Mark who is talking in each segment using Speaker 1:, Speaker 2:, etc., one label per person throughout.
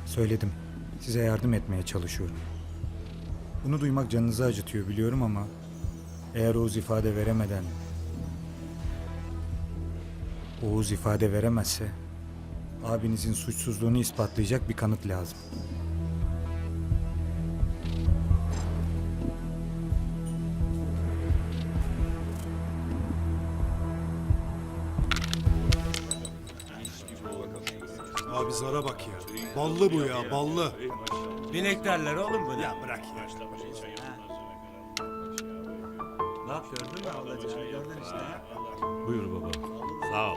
Speaker 1: Söyledim. Size yardım etmeye çalışıyorum. Bunu duymak canınızı acıtıyor biliyorum ama eğer Oğuz ifade veremezse abinizin suçsuzluğunu ispatlayacak bir kanıt lazım.
Speaker 2: Abi zara bak ya. Ballı bu ya, ballı.
Speaker 3: Binek derler oğlum bunu.
Speaker 2: Ya bırak ya.
Speaker 3: Bak gördün mü ablacığım? Gördün işte.
Speaker 4: Buyur baba.
Speaker 3: Sağ ol.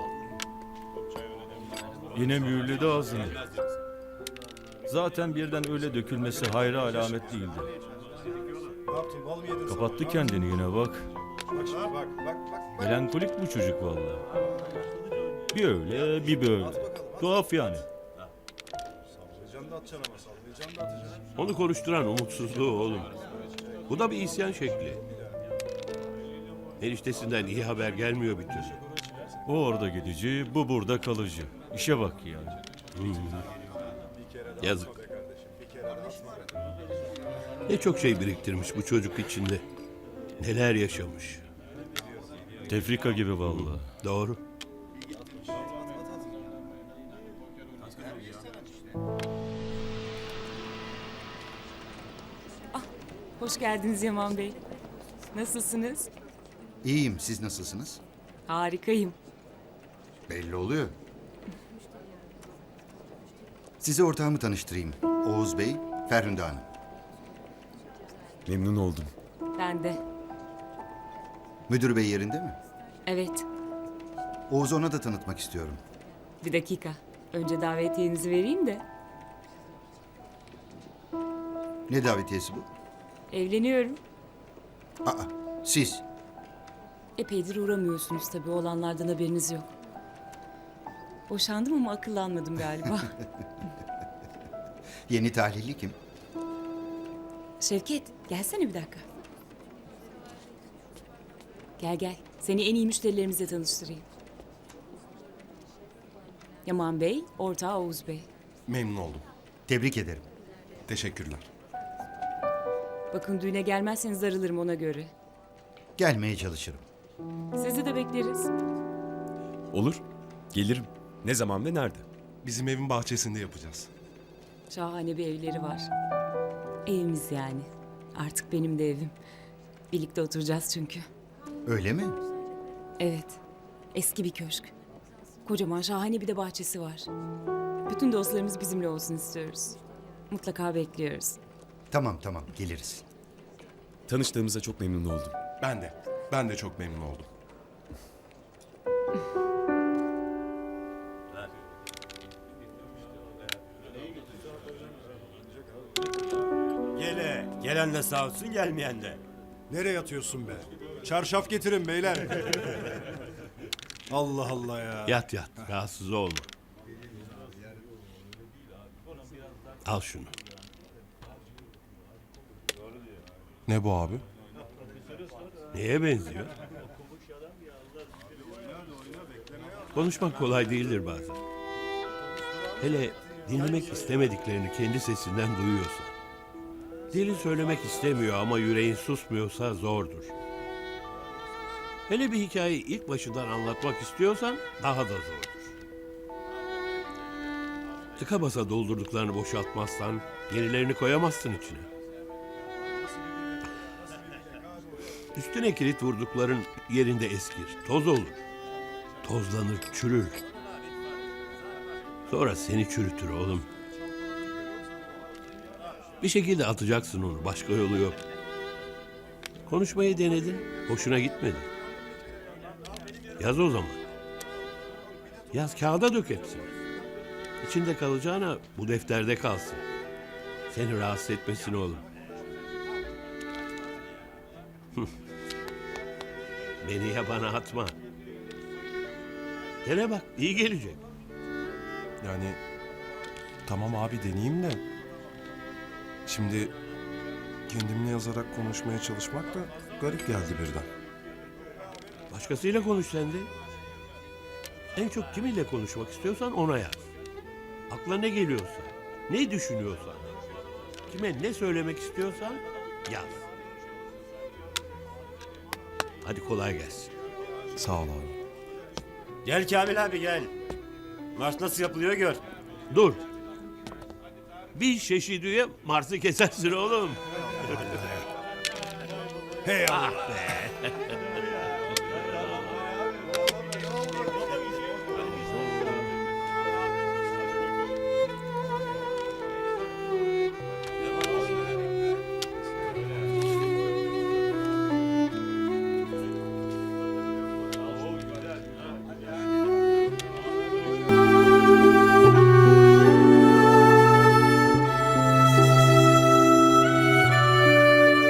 Speaker 4: Yine mühürledi ağzını. Zaten birden öyle dökülmesi hayra alamet değildi.
Speaker 2: Ne yaptın? Bal mı yedin?
Speaker 4: Kapattı kendini yine bak.
Speaker 2: Bak şimdi bak.
Speaker 4: Melankolik bu çocuk vallahi. Bir öyle bir böyle. Tuhaf yani.
Speaker 2: Sallayacaksın da atacaksın ama sallayacaksın da atacaksın.
Speaker 5: Onu konuşturan umutsuzluğu oğlum. Bu da bir isyan şekli. Eniştesinden iyi haber gelmiyor bir türlü.
Speaker 4: O orada gidici, bu burada kalıcı. İşe bak yani.
Speaker 5: Yazık. Ne çok şey biriktirmiş bu çocuk içinde. Neler yaşamış.
Speaker 4: Tefrika gibi vallahi.
Speaker 5: Doğru.
Speaker 6: Hoş geldiniz Yaman Bey. Nasılsınız?
Speaker 7: İyiyim, siz nasılsınız?
Speaker 6: Harikayım.
Speaker 7: Belli oluyor. Size ortağımı tanıştırayım. Oğuz Bey, Ferhunde Hanım.
Speaker 8: Memnun oldum.
Speaker 6: Ben de.
Speaker 7: Müdür bey yerinde mi?
Speaker 6: Evet.
Speaker 7: Oğuz'u ona da tanıtmak istiyorum.
Speaker 6: Bir dakika. Önce davetiyenizi vereyim de.
Speaker 7: Ne davetiyesi bu?
Speaker 6: Evleniyorum.
Speaker 7: Aa, siz.
Speaker 6: Epeydir uğramıyorsunuz tabii. Olanlardan haberiniz yok. Boşandım ama akıllanmadım galiba.
Speaker 7: Yeni tahlilli kim?
Speaker 6: Şevket, gelsene bir dakika. Gel gel. Seni en iyi müşterilerimizle tanıştırayım. Yaman Bey, ortağı Oğuz Bey.
Speaker 2: Memnun oldum.
Speaker 7: Tebrik ederim.
Speaker 2: Teşekkürler.
Speaker 6: Bakın düğüne gelmezseniz darılırım ona göre.
Speaker 7: Gelmeye çalışırım.
Speaker 6: Sizi de bekleriz.
Speaker 8: Olur. Gelirim. Ne zaman ve nerede?
Speaker 2: Bizim evin bahçesinde yapacağız.
Speaker 6: Şahane bir evleri var. Evimiz yani. Artık benim de evim. Birlikte oturacağız çünkü.
Speaker 7: Öyle mi?
Speaker 6: Evet. Eski bir köşk. Kocaman şahane bir de bahçesi var. Bütün dostlarımız bizimle olsun istiyoruz. Mutlaka bekliyoruz.
Speaker 7: Tamam, geliriz.
Speaker 8: Tanıştığımıza çok memnun oldum.
Speaker 2: Ben de çok memnun oldum.
Speaker 3: Gelen de sağ olsun, gelmeyen de.
Speaker 2: Nereye yatıyorsun be? Çarşaf getirin beyler. Allah Allah ya.
Speaker 5: Yat, rahatsız olma. Al şunu.
Speaker 2: Ne bu abi?
Speaker 5: Neye benziyor? Konuşmak kolay değildir bazen. Hele dinlemek istemediklerini kendi sesinden duyuyorsa. Dilin söylemek istemiyor ama yüreğin susmuyorsa zordur. Hele bir hikayeyi ilk başından anlatmak istiyorsan daha da zordur. Tıka basa doldurduklarını boşaltmazsan yenilerini koyamazsın içine. Üstüne kilit vurdukların yerinde eskir, toz olur. Tozlanır, çürür. Sonra seni çürütür oğlum. Bir şekilde atacaksın onu, başka yolu yok. Konuşmayı denedin, hoşuna gitmedi. Yaz o zaman. Yaz, kağıda dök hepsini. İçinde kalacağına bu defterde kalsın. Seni rahatsız etmesin oğlum. Beni yabana atma. Dene bak, iyi gelecek.
Speaker 9: Yani tamam abi deneyeyim de. Şimdi kendimle yazarak konuşmaya çalışmak da garip geldi birden.
Speaker 5: Başkasıyla konuş sen de. En çok kimiyle konuşmak istiyorsan ona yaz. Aklına ne geliyorsa. Ne düşünüyorsan, kime ne söylemek istiyorsan yaz. Hadi kolay gelsin.
Speaker 9: Sağ ol abi.
Speaker 3: Gel Kamil abi gel. Marş nasıl yapılıyor gör.
Speaker 5: Dur. Bir şeşidüye Mars'ı kesersin oğlum.
Speaker 2: Hey
Speaker 5: Ah be.